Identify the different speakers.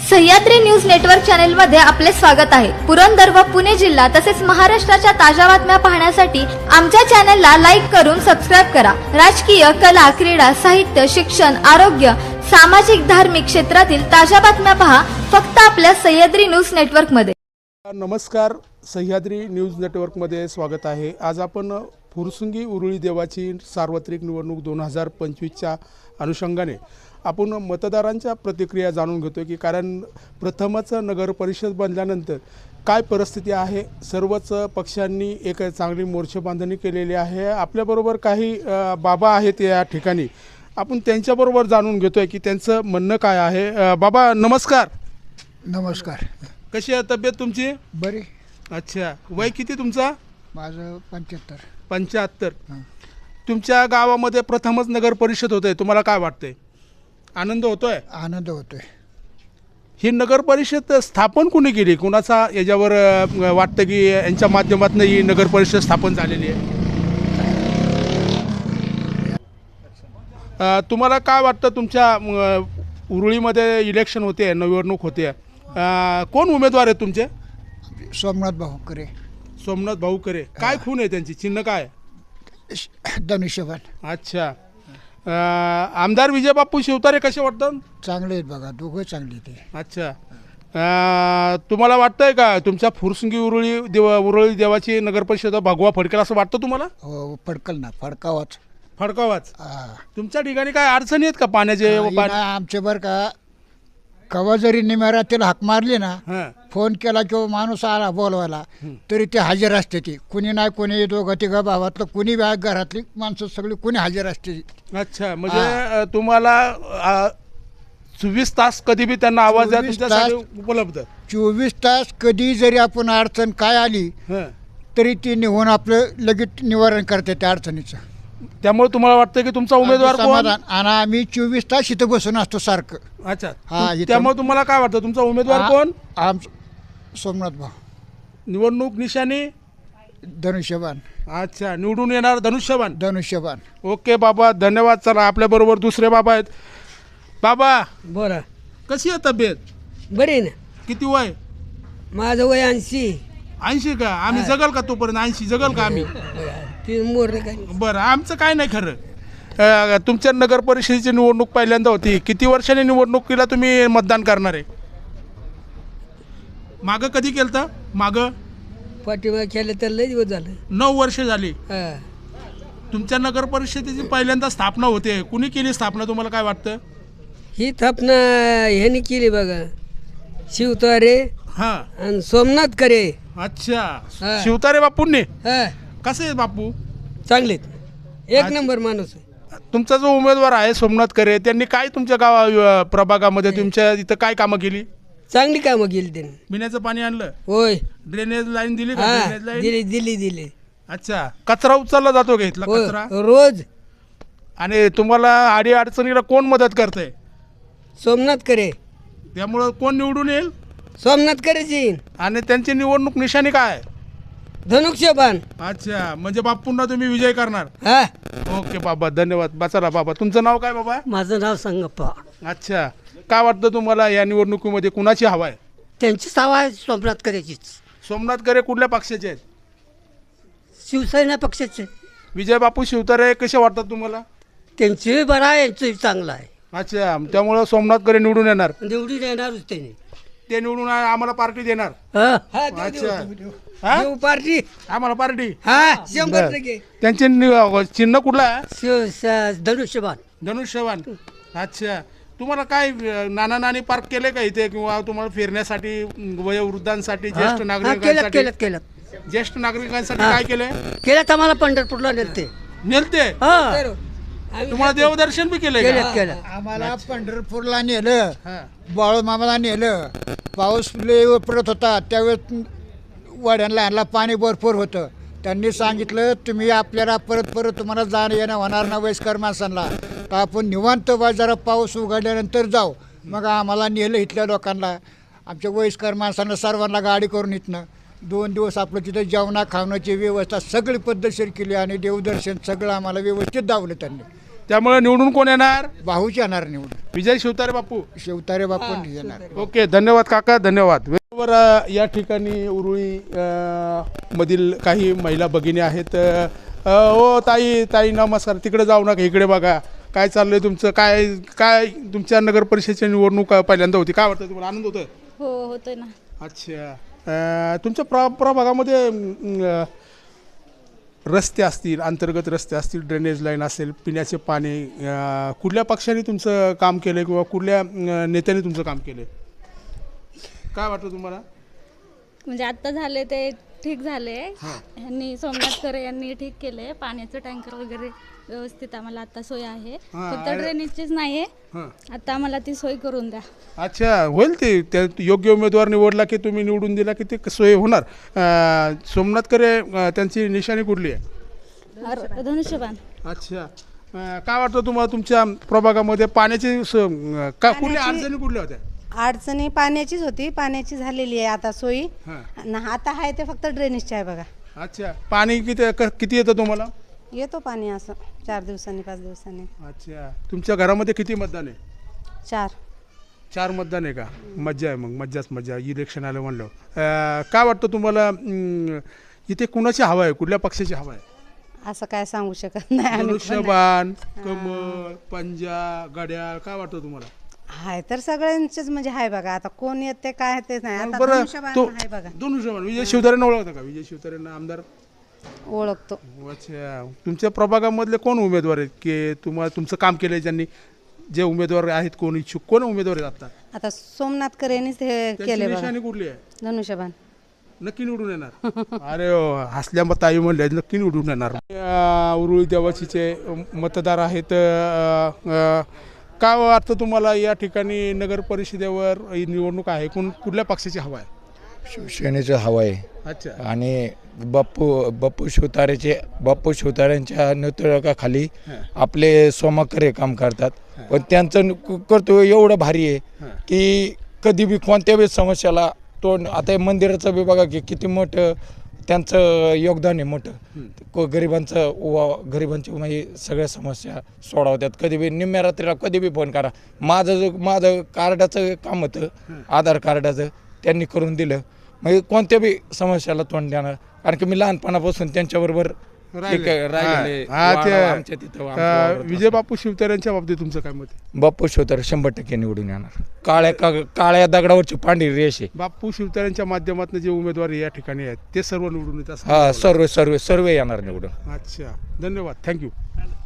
Speaker 1: Sahyadri news network channel मध्ये आपले स्वागत आहे। पुरंदर व पुणे जिल्हा तसेच महाराष्ट्राच्या ताज्या बातम्या पाहण्यासाठी आमच्या चॅनलला लाईक करून सबस्क्राइब करा। राजकीय, कला, क्रीडा, साहित्य, शिक्षण, आरोग्य, सामाजिक, धार्मिक क्षेत्रातील ताज्या बातम्या पहा फक्त आपल्या सह्याद्री न्यूज नेटवर्क मध्ये।
Speaker 2: नमस्कार, सह्याद्री न्यूज नेटवर्क मध्ये स्वागत आहे। आज आपण फुरसुंगी उरुळी देवाची सार्वत्रिक निवडणूक 2025च्या अनुषंगाने आपण मतदारांच्या प्रतिक्रिया जाणून घेतो की कारण प्रथमच नगर परिषद बनल्यानंतर काय परिस्थिती आहे। सर्वच पक्षांनी एक चांगली मोर्चेबांधणी केलेली आहे। आपल्याबरोबर काही बाबा आहेत या ठिकाणी, आपण त्यांच्याबरोबर जाणून घेतोय की त्यांचं म्हणणं काय आहे। बाबा नमस्कार।
Speaker 3: नमस्कार।
Speaker 2: कशी आहे तब्येत तुमची?
Speaker 3: बरी।
Speaker 2: अच्छा, वय किती तुमचा?
Speaker 3: माझं 75।
Speaker 2: 75। तुमच्या गावामध्ये प्रथमच नगर परिषद होते, तुम्हाला काय वाटतंय? आनंद होतोय?
Speaker 3: आनंद होतोय।
Speaker 2: ही नगर परिषद स्थापन कोणी केली? कुणाचा याच्यावर वाटतं की यांच्या माध्यमातून ही नगर परिषद स्थापन झालेली आहे? तुम्हाला काय वाटतं? तुमच्या उरुळीमध्ये इलेक्शन होते, निवडणूक होते, कोण उमेदवार आहेत तुमचे?
Speaker 3: सोमनाथ भाऊकरे।
Speaker 2: सोमनाथ भाऊकरे। काय खून आहे त्यांची? चिन्ह काय?
Speaker 3: धनुष्यबाण।
Speaker 2: अच्छा, आमदार विजय बापू शिवतारे कसे वाटतात?
Speaker 3: चांगले आहेत बघा, दोघं चांगले ते।
Speaker 2: अच्छा, तुम्हाला वाटतंय का तुमच्या फुरसुंगी उरुळी देवाची नगर परिषद भगवा फडकेल असं वाटतं तुम्हाला?
Speaker 3: हो, फडकल ना, फडकावाच।
Speaker 2: फडकावाच। तुमच्या ठिकाणी काय अडचणी आहेत का पाण्याचे?
Speaker 3: आमचे बरं का, कवा जरी निमेरातील हाक मारली ना, फोन केला किंवा माणूस आला बोलवायला तरी ते हजर असते। ती कुणी नाही, कोणी दोघं तिघं भावातलं कुणी घरातली माणसं सगळी कुणी हजर असते।
Speaker 2: अच्छा, म्हणजे तुम्हाला 24 तास कधी बी त्यांना आवाज द्या, तुमच्यासाठी उपलब्ध
Speaker 3: 24 तास। कधी जरी आपण अडचण काय आली तरी ती निघून आपलं लगेच निवारण करते त्या अडचणीचं।
Speaker 2: त्यामुळे तुम्हाला वाटतं की तुमचा उमेदवार कोण?
Speaker 3: आणि आम्ही 24 तास इथं बसून असतो सारखं।
Speaker 2: अच्छा, त्यामुळे तुम्हाला काय वाटतं तुमचा उमेदवार कोण?
Speaker 3: सोमनाथ भाऊ।
Speaker 2: निवडणूक निशाणी
Speaker 3: धनुष्यबाण।
Speaker 2: अच्छा, निवडून येणार धनुष्यबाण?
Speaker 3: धनुष्यबाण।
Speaker 2: ओके बाबा, धन्यवाद। चला, आपल्याबरोबर दुसरे बाबा आहेत। बाबा
Speaker 4: बोला।
Speaker 2: कशी आहे तब्येत?
Speaker 4: बरी ना।
Speaker 2: किती वय?
Speaker 4: माझं वय 80।
Speaker 2: 80 का? आम्ही जगल का तोपर्यंत? 80 जगल का आम्ही? बरं, आमचं काय नाही खरं। तुमच्या नगर परिषदेची निवडणूक पहिल्यांदा होती, किती वर्षांनी निवडणुकीला तुम्ही मतदान करणार आहे? मागं कधी केलं तर? मागं
Speaker 4: पाठीमाग केलं तर लय दिवस झालं।
Speaker 2: 9 वर्ष झाली। तुमच्या नगर परिषदेची पहिल्यांदा स्थापना होते, कुणी केली स्थापना तुम्हाला काय वाटतं?
Speaker 4: ही स्थापना ह्यानी केली बघा, शिवतारे आणि सोमनाथ करे।
Speaker 2: अच्छा, शिवतारे बापूंनी?
Speaker 4: हा,
Speaker 2: कसे आहेत बापू?
Speaker 4: चांगलेत, एक नंबर माणूस आहे।
Speaker 2: तुमचा जो उमेदवार आहे सोमनाथ करे, त्यांनी काय तुमच्या प्रभागामध्ये तुमच्या इथं काय कामं केली?
Speaker 4: चांगली कामं केली त्यांनी।
Speaker 2: पिण्याचं पाणी आणलं?
Speaker 4: होय।
Speaker 2: ड्रेनेज लाईन दिली का? ड्रेनेज लाईन
Speaker 4: दिली।
Speaker 2: अच्छा, कचरा उचलला जातो का इथला कचरा?
Speaker 4: रोज।
Speaker 2: आणि तुम्हाला आडी अडचणीला कोण मदत करते?
Speaker 4: सोमनाथ करे।
Speaker 2: त्यामुळं कोण निवडून येईल?
Speaker 4: सोमनाथ करेची।
Speaker 2: आणि त्यांची निवडणूक निशाणी काय?
Speaker 4: धनुष्यबाण।
Speaker 2: अच्छा, म्हणजे बापूंना तुम्ही विजय करणार?
Speaker 4: हा,
Speaker 2: ओके बाबा, धन्यवाद। बचाला बाबा, तुमचं नाव काय बाबा?
Speaker 5: माझं नाव संगप्पा।
Speaker 2: अच्छा, काय वाटतं तुम्हाला या निवडणुकीमध्ये कुणाची हवा आहे?
Speaker 5: त्यांचीच हवा आहे, सोमनाथ करेचीच।
Speaker 2: सोमनाथ करे कुठल्या पक्षाचे आहेत?
Speaker 5: शिवसेना पक्षाचे।
Speaker 2: विजय बापू शिवतारे कसे वाटतात तुम्हाला?
Speaker 5: त्यांचंही बरं आहे, यांचंही चांगलं आहे।
Speaker 2: अच्छा, त्यामुळं सोमनाथ करे निवडून येणार?
Speaker 5: निवडून येणारच त्यांनी।
Speaker 2: ते निवडून आम्हाला पार्टी देणार? अच्छा,
Speaker 4: देऊ पार्टी
Speaker 2: आम्हाला पार्टी?
Speaker 4: हा, 100%।
Speaker 2: त्यांचे चिन्ह कुठलं आहे?
Speaker 5: धनुष्यबाण।
Speaker 2: धनुष्यबाण। अच्छा, तुम्हाला काय नाना नानी पार्क केले का इथे, किंवा तुम्हाला फिरण्यासाठी वयोवृद्धांसाठी, ज्येष्ठ नागरिकांसाठी? ज्येष्ठ नागरिकांसाठी काय केलं?
Speaker 5: आम्हाला पंढरपूरला नेलते।
Speaker 2: तुम्हाला देवदर्शन बी केलं?
Speaker 3: आम्हाला पंढरपूरला नेलं, बाळूमामाला नेलं। पाऊस लय पडत होता त्यावेळेस वाड्यांना आणला, पाणी भरपूर होतं। त्यांनी सांगितलं तुम्ही आपल्याला परत तुम्हाला जाणं येणं होणार ना वयस्कर माणसांना, तर आपण निवांत जरा पाऊस उघडल्यानंतर जाऊ। मग आम्हाला नेलं इथल्या लोकांना, आमच्या वयस्कर माणसांना सर्वांना गाडी करून इथनं 2 दिवस आपलं तिथं जेवणा खावण्याची व्यवस्था सगळी पद्धतशीर केली आणि देवदर्शन सगळं आम्हाला व्यवस्थित दावलं त्यांनी।
Speaker 2: त्यामुळे निवडून कोण येणार?
Speaker 3: भाऊच येणार निवडून.
Speaker 2: विजय शिवतारे बापू.
Speaker 3: शिवतारे बापून येणार.
Speaker 2: ओके, धन्यवाद काका, धन्यवाद. बरोबर, या ठिकाणी उरुळी मधील काही महिला भगिनी आहेत. ओ ताई, ताई नमस्कार. तिकडे जाऊ नका, इकडे बघा. काय चाललंय तुमचं? काय काय तुमच्या नगर परिषदेची निवडणूक पहिल्यांदा होती, काय वाटतं तुम्हाला? आनंद होतोय?
Speaker 6: हो होतोय ना.
Speaker 2: अच्छा, तुमच्या प्रभागामध्ये रस्ते असतील, अंतर्गत रस्ते असतील, ड्रेनेज लाईन असेल, पिण्याचे पाणी, कुठल्या पक्षाने तुमचं काम केलं किंवा कुठल्या नेत्याने तुमचं काम केलं, काय वाटतं तुम्हाला?
Speaker 6: म्हणजे आता झाले ते ठीक झाले. यांनी सोमनाथ खरे यांनी ठीक केले. पाण्याचं टँकर वगैरे व्यवस्थित आम्हाला आता सोय आहे. फक्त ड्रेनेजचीच नाही आहे, आता आम्हाला ती सोय करून द्या.
Speaker 2: अच्छा, होईल ते. त्या योग्य उमेदवार निवडला की तुम्ही निवडून दिला की ते सोय होणार. सोमनाथ खरे त्यांची निशाणी कुठली आहे?
Speaker 6: धनुष्यबाण.
Speaker 2: अच्छा, काय वाटतं तुम्हाला तुमच्या प्रभागामध्ये पाण्याची कुठल्या अडचणी कुठल्या होत्या?
Speaker 7: अडचणी पाण्याचीच होती, पाण्याची झालेली आहे आता सोयी. आता आहे ते फक्त ड्रेनेजची आहे बघा.
Speaker 2: अच्छा, पाणी किती येतं तुम्हाला?
Speaker 7: येतो पाणी असं 4 दिवसांनी 5 दिवसांनी.
Speaker 2: अच्छा, तुमच्या घरामध्ये किती मतदान आहे?
Speaker 7: 4
Speaker 2: मतदान आहे का? मज्जा आहे, मग मज्जाच मज्जा. इलेक्शन आलं म्हणलं. काय वाटतं तुम्हाला इथे कुणाची हवा आहे, कुठल्या पक्षाची हवा आहे?
Speaker 7: असं काय सांगू शकत नाही आम्ही पण.
Speaker 2: धनुष्यबाण, कमळ, पंजा, घड्याळ, काय वाटतं तुम्हाला?
Speaker 7: हाय तर सगळ्यांचेच म्हणजे हाय बघा. आता कोण येते काय ते नाही. आता
Speaker 2: बरं,
Speaker 7: धनुष्यबाण
Speaker 2: तो
Speaker 7: आहे बघा.
Speaker 2: धनुष्यबाण विजय शिवतारेंना ओळखता का? विजय शिवतारेंना आमदार
Speaker 7: ओळखतो.
Speaker 2: अच्छा, तुमच्या प्रभागामधले कोण उमेदवार आहेत की तुमचं काम केलंय ज्यांनी? जे उमेदवार आहेत, कोण इच्छुक, कोण उमेदवार आहेत
Speaker 7: आता सोमनाथ करेनीच हे
Speaker 2: आता?
Speaker 7: केले बघा.
Speaker 2: निशाणी कुठली आहे?
Speaker 7: धनुष्यबाण.
Speaker 2: नक्की निवडून येणार? अरे हसल्या मग ताई म्हणले नक्की निवडून येणार. उरुळी देवाचीचे मतदार आहेत. काय वाटतं तुम्हाला या ठिकाणी नगर परिषदेवर ही निवडणूक आहे, कुठल्या पक्षाची हवा आहे?
Speaker 8: शिवसेनेचं हवं आहे.
Speaker 2: अच्छा,
Speaker 8: आणि बाप्पू शिवतारेंच्या नेतृत्वाखाली आपले सोमाकरे काम करतात. पण त्यांचं कर्तव्य एवढं भारी आहे की कधी बी कोणत्या बी समस्याला तोंड. आता मंदिराचं बी बघा की किती मोठं त्यांचं योगदान आहे मोठं. गरिबांची म्हणजे सगळ्या समस्या सोडवतात. कधी बी निम्म्या रात्रीला कधी बी फोन करा. माझं कार्डाचं काम होतं, आधार कार्डाचं, त्यांनी करून दिलं. म्हणजे कोणत्या बी समस्याला तोंड देणार. कारण की मी लहानपणापासून त्यांच्याबरोबर राहिले. आमच्या तिथं
Speaker 2: विजय बापू शिवतारेंच्या बाबतीत तुमचं काय मत आहे?
Speaker 8: बाप्पू शिवतारे 100% निवडून येणार. काळ्या दगडावरची पांढरी रेष आहे.
Speaker 2: बापू शिवतारेंच्या माध्यमातून जे उमेदवार या ठिकाणी आहेत ते सर्व निवडून येतात?
Speaker 8: सर्व येणार निवडून.
Speaker 2: अच्छा, धन्यवाद, थँक्यू.